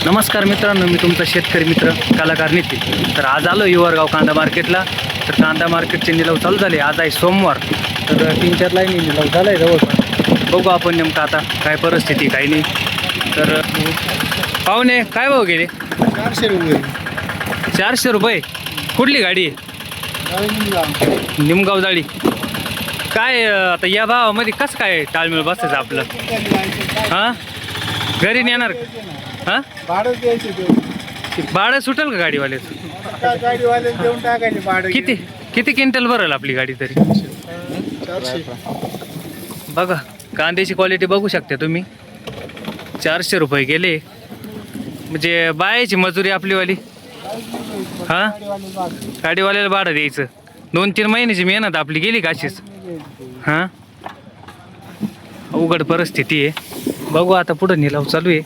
नमस्कार मित्रांनो, मी तुमचा शेतकरी मित्र कलाकार नितीन. तर आज आलो युवरगाव कांदा मार्केटला. तर कांदा मार्केटचे निलाव चालू झाले. आज आहे सोमवार. तर 3-4 लाईनी निलाव झाला आहे जवळपास. बघू आपण नेमकं आता काय परिस्थिती काही नाही. तर पाहुणे काय भाव गेले? 400 रुपये. 400 रुपये. कुठली गाडी आहे? निमगाव जाळी. काय आता या भावामध्ये कसं काय ताळमेळ बसायचं आपलं? हां, घरी नेणार हां? भाडं द्यायचं, भाडं सुटेल का गाडीवाल्याचं? गाडीवाले देऊन टाकायचे भाडं. किती क्विंटल भरेल आपली गाडी तरी? 400. बघा कांद्याची क्वालिटी बघू शकता तुम्ही. 400 रुपये गेले म्हणजे बायाची मजुरी आपलीवाली. हां, गाडीवाल्याला भाडं द्यायचं. 2-3 महिन्याची मेहनत आपली गेली का अशीच? हां, अवघड परिस्थिती आहे. बघू आता पुढं निलाव चालू आहे.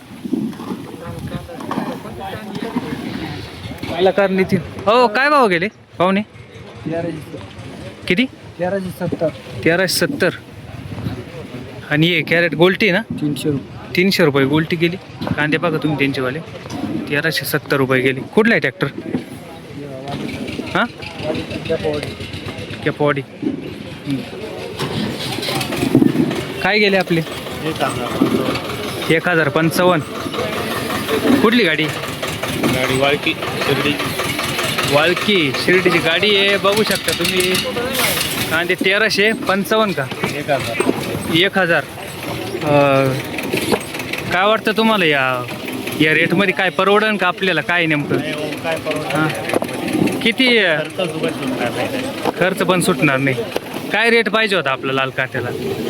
कलाकार नितीन. हो, काय भाव गेले पाहुणे? किती? 1370. 1370. आणि हे कॅरेट गोल्टी ना? 300 रुपये. 300 रुपये गोल्टी गेली. कांदे बघा तुम्ही त्यांचेवाले. 1370 रुपये गेले. कुठला आहे ट्रॅक्टर? हां, कॅपॉडी. काय गेले आपले? 1055. कुठली गाडी? गाडी वाळकी शिर्डी. वाळकी शिर्डीची गाडी आहे. बघू शकता तुम्ही. कांदे 1355 का? 1000. काय वाटतं तुम्हाला या रेटमध्ये काय परवडन का आपल्याला? काय नेमकं काय हां, किती खर्च पण सुटणार नाही? काय रेट पाहिजे होता आपलं लाल काट्याला?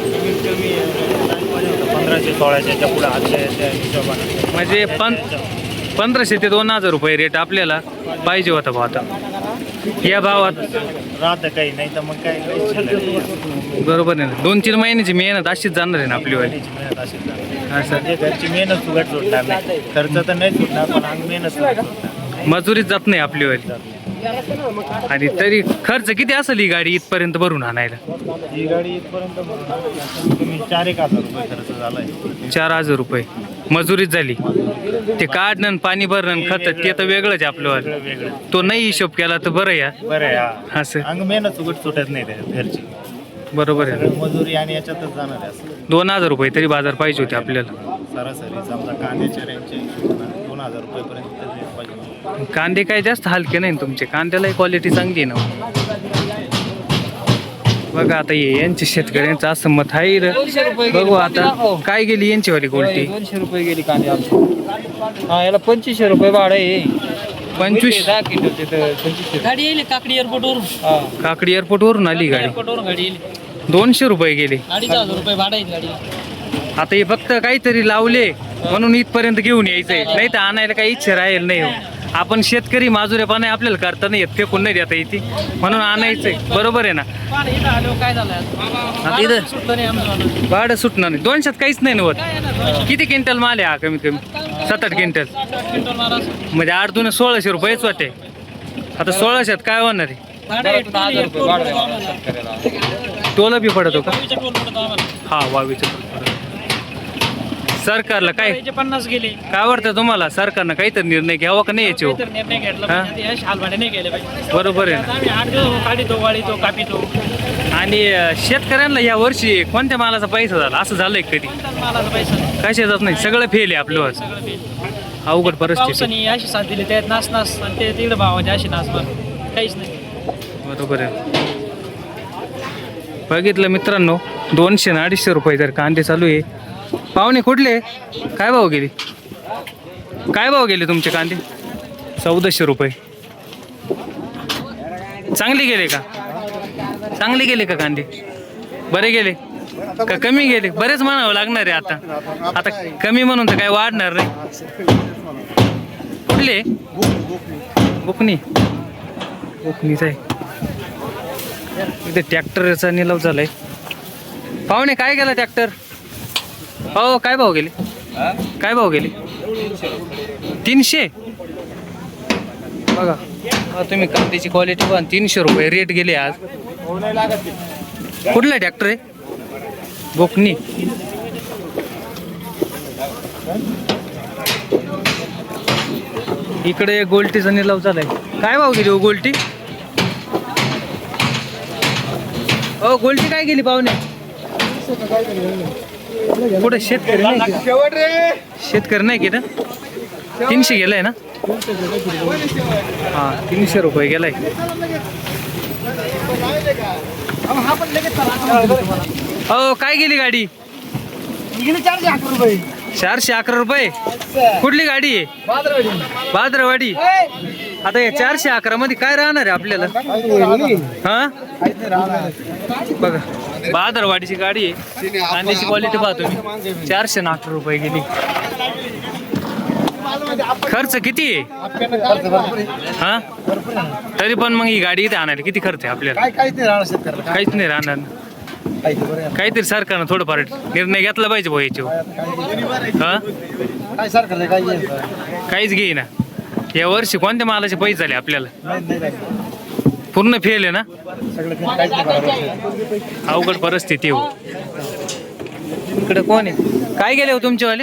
1500-1600च्या पुढे 800च्या हिशोबाने. म्हणजे 1500 ते 2000 रुपये रेट आपल्याला पाहिजे होता भाव. आता या भावात राहतं काही नाही तर मग काय बरोबर आहे ना. 2-3 महिन्याची मेहनत अशीच जाणार आहे ना आपलीवाली. असं घरची मेहनत सुगट सुटणार नाही. खर्च तर नाही सुटणार पण अंग मेहनत सुटणार. मजुरीत जात नाही आपलीवाली. आणि तरी खर्च किती असेल ही गाडी इथपर्यंत भरून आणायला? ही गाडी इथपर्यंत तुम्ही 4-1 हजार रुपये खर्च झालाय. 4000 रुपये मजुरीत झाली. ते काढणं आणि पाणी भरणं खत ते तर वेगळंच आहे आपलं. वेगळं तो नाही हिशोब केला तर बरं या. बरं आहे. असं अंग मेहनत सुगट सुटत नाही त्या घरची. बरोबर आहे. सगळं मजुरी आणि याच्यातच जाणार आहे. असं 2000 रुपये तरी बाजार पाहिजे होते आपल्याला. सरासरी समजा कांद्याच्या रेंजच्या हिशोबाने 2000 रुपयेपर्यंत पाहिजे. कांदे काय जास्त हलके नाही ना तुमचे? कांद्यालाही क्वालिटी चांगली आहे ना. बघा आता यांचे शेतकऱ्यांचं असं मत आहे. बघू आता काय गेली यांची वाली गोल्टी. 200 रुपये गेली कांदे आमची. हा, याला 2500 रुपये भाडं आहे. 25. 10 क्विंटल तिथं 2500. गाडी येईल काकडी एअरपोर्टवरून. हा, काकडी एअरपोर्टवरून आली गाडी. एअरपोर्टवरून गाडी येईल. 200 रुपये गेले. 2500 रुपये भाडं येईल गाडी. आता हे फक्त काहीतरी लावले म्हणून इथपर्यंत घेऊन यायचंय. नाही तर आणायला काही इच्छा राहील नाही. हो, आपण शेतकरी माजुरेपणा आपल्याला करता नाही येत. फेकून नाही देता येते म्हणून आणायचंय. बरोबर आहे ना? पण इथं आलो काय झालं आता इथं सुटलं नाही आमचं. भाडं सुटणार नाही. 200 काहीच नाही नव्हत. किती क्विंटल माल आहे हा? कमीत कमी 7-8 क्विंटल. क्विंटल माल असं. म्हणजे 8-2 1600 रुपयेच वाटे. आता 1600 काय होणार आहे? भाडं आहे, 1000 रुपये भाडं आहे आम्हाला. शेतकऱ्याला. टोला बी पडतो का? वावीच्या टोल पडतो आम्हाला. हा, वावीचं सरकारला काय याचे 50 गेले. काय वाटतं तुम्हाला? सरकारनं काहीतरी निर्णय घ्यावा का नाही याच्यावर? काहीतरी निर्णय घेतला हा? पाहिजे. हे शालभाडे नाही गेले पाहिजे. बरोबर आहे ना. आम्ही 8 दिवस काढितो, वाळीतो, कापितो. आणि शेतकऱ्यांना या वर्षी कोणत्या मालाचा पैसा झाला असं झालंय कधी? कोणत्याच मालाचा पैसा नाही. कशा जात नाही. सगळं फेल आहे आपलं. सगळं फेल. अवघड परिस्थिती. पावसाने अशी साथ दिली त्यात नास नास आणि ते तिकडे भावाचे अशी नास पण काहीच नाही. बरोबर आहे. बघितलं मित्रांनो, 200 आणि 250 रुपये जर कांदे चालू आहे. पाहुणे कुठले? काय भाव गेले? काय भाव गेले तुमचे कांदे? 1400 रुपये. चांगले गेले का? चांगले गेले का कांदे? बरे गेले का कमी गेले? बरेच म्हणावं लागणार आहे आता. आता कमी म्हणून तर काय वाढणार नाही. कुठले? बुकनी. बुकनीच आहे. इथे ट्रॅक्टरचा निलाव झालाय. पाहुणे काय गेला ट्रॅक्टर? हो, काय भाव गेले? काय भाव गेले? 300. बघा तुम्ही कांद्याची क्वालिटी पण 300 रुपये रेट गेले आज. कुठला ट्रॅक्टर आहे? बोकनी. इकडे गोल्टीचा निलाव चालाय. काय भाव गेली हो गोल्टी? हो गोल्टी काय गेली पाहुणे? कुठे शेतकरी नाही का? शेतकरी नाही की ना? 300 गेलाय ना? हा 300 रुपये गेलाय. हो काय गेली गाडी? 411 रुपये. कुठली गाडी आहे? भाद्रवाडी. आता या 411 मध्ये काय राहणार आहे आपल्याला? हा बघा भाद्रवाडीची गाडी आहे. कांद्याची क्वालिटी पाहतो मी. 411 रुपये गेली. खर्च किती आहे? हा तरी पण मग ही गाडी इथे आणायला किती खर्च आहे आपल्याला? काहीच नाही राहणार. काहीतरी सरकारनं थोडंफार निर्णय घेतला पाहिजे भाऊ याच्यावर. हा काहीच घेईना. या वर्षी कोणत्या मालाचे पैसे झाले आपल्याला? पूर्ण फेल आहे ना. अवघड परिस्थिती हो. इकडे कोण आहे? काय गेले हो तुमचेवाले?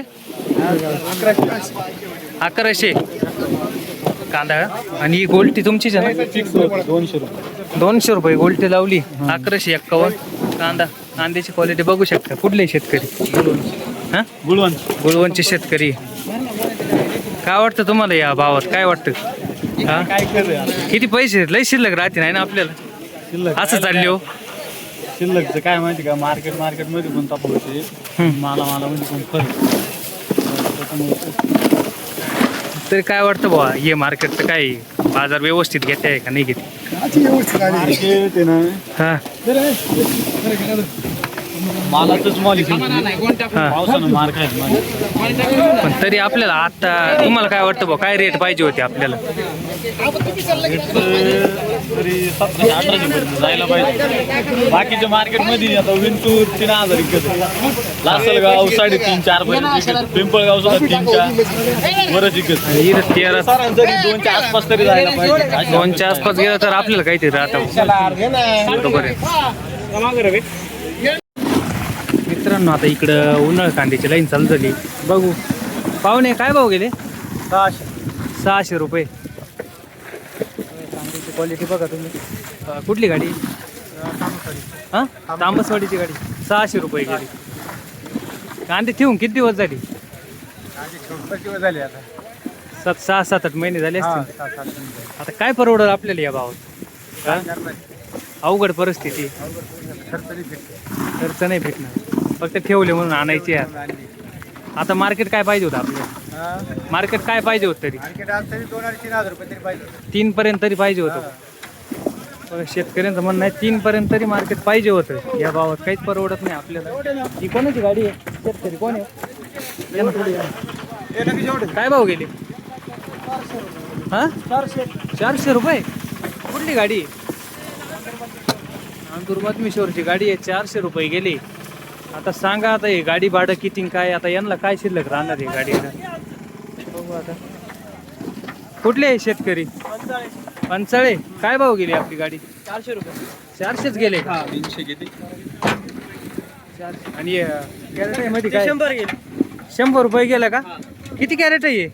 1100 कांदा. आणि ही गोल्टी तुमचीच आहे ना? 200 रुपये गोल्टी लावली. 1151 कांदा. कांद्याची क्वालिटी बघू शकता. कुठले शेतकरी? हा गुळवणचे शेतकरी. काय वाटतं तुम्हाला या भावात? काय वाटतं? हा किती पैसे लय शिल्लक राहते नाही ना आपल्याला? असं चालले हो. शिल्लकचं काय माहिती का? मार्केटमध्ये पण तफावत मालामध्ये पण फरक. तरी काय वाटतं बुवा हे मार्केटचं काय बाजार व्यवस्थित घेते आहे का नाही घेते? मार्केट आहे ना, हा मालाचंच माल हा. पावसानं मार खायचं माल. पण तरी आपल्याला आता तुम्हाला काय वाटतं बुवा काय रेट पाहिजे होते आपल्याला? तरी 1700-1800 पर्यंत जायला पाहिजे. बाकीच्या मार्केटमध्ये आता विंतूर 3000 विकत, लासलगाव 3.5-4 पर्यंत विकत, पिंपळगाव सुद्धा 3-4 वरच विकत. इथं 13 सरासरी 2च्या आसपास तरी जायला पाहिजे. 2च्या आसपास गेलं तर आपल्याला काहीतरी राहतं. बरोबर आहे मित्रांनो. आता इकडं उन्हाळ कांद्याची लाईन चालू झाली. बघू पाहुणे काय भाव गेले? 600 रुपये. कांद्याची क्वालिटी बघा तुम्ही. कुठली गाडी? हां तांबसवाडीची गाडी. 600 रुपये गेली. कांदे ठेवून किती दिवस झाले? 6-7-8 महिने झाले असतील. आता काय परवडलं आपल्याला या भावात? अवघड परिस्थिती. खर्च नाही भेटणार. फक्त ठेवले म्हणून आणायचे. आता मार्केट काय पाहिजे होतं आपल्याला? मार्केट काय पाहिजे होतं तरी? 2,000-3,000 रुपये तरी पाहिजे. 3 पर्यंत तरी पाहिजे होतं. बघा शेतकऱ्यांचं म्हणणं आहे 3 पर्यंत तरी मार्केट पाहिजे होतं. या भावात काहीच परवडत नाही आपल्याला. ही कोणाची गाडी आहे? शेतकरी कोण आहे? काय भाव गेले? हां 400 रुपये. कुठली गाडी आहे? दुर्मतमेश्वरची गाडी आहे. 400 रुपये गेली. आता सांगा आता हे गाडी भाडं किती काय? आता यांना काय शिल्लक राहणार आहे गाडीला? बघू आता. कुठले आहे शेतकरी? पंचाळे. काय भाव गेली आपली गाडी? 400 रुपये. 400च गेले का? 300 किती? आणि कॅरेट आहे मध्ये काय? 100 गेले. 100 रुपये गेला का? किती कॅरेट आहे?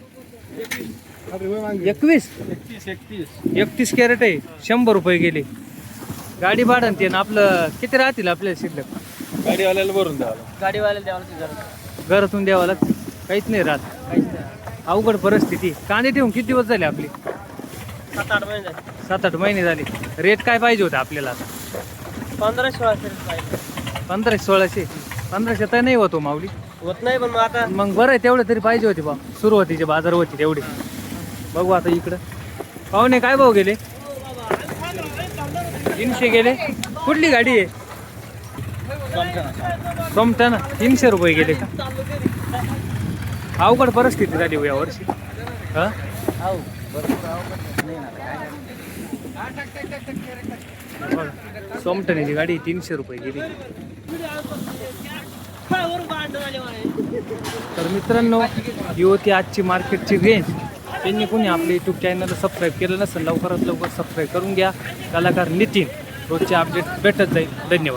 31 कॅरेट आहे. 100 रुपये गेले. गाडी भाडं ते ना आपलं किती राहतील आपल्याला शिल्लक? गाडीवाल्याला भरून द्यावं. गाडीवाल्याला द्यावं लागतं. घरातून द्यावं लागतं. काहीच नाही राहत. काहीच नाही. अवघड परिस्थिती. कांदे ठेवून किती दिवस झाले आपले? 7-8 महिने झाले. 7-8 महिने झाले. रेट काय पाहिजे होते आपल्याला? 1500-1600 पाहिजे. 1500-1600. 1500 तर नाही होतो माऊली. होत नाही पण मग आता मग बरं आहे तेवढं तरी पाहिजे होते बा. सुरुवातीचे बाजार होते तेवढे. बघू आता इकडं. पाहुणे काय भाव गेले? 300 गेले. कुठली गाडी आहे? सोमटाना. 300 रुपये गेले का? अवघड परिस्थिती झाली हो यावर्षी. हा सोमटण्याची गाडी 300 रुपये गेली. तर मित्रांनो ही होती आजची मार्केटची रेंज. त्यांनी कोणी आपल्या यूट्यूब चॅनलला सबस्क्राईब केलं नसेल लवकरात लवकर सबस्क्राईब करून घ्या. कलाकार नितीन रोजचे अपडेट भेटत जाईल. धन्यवाद.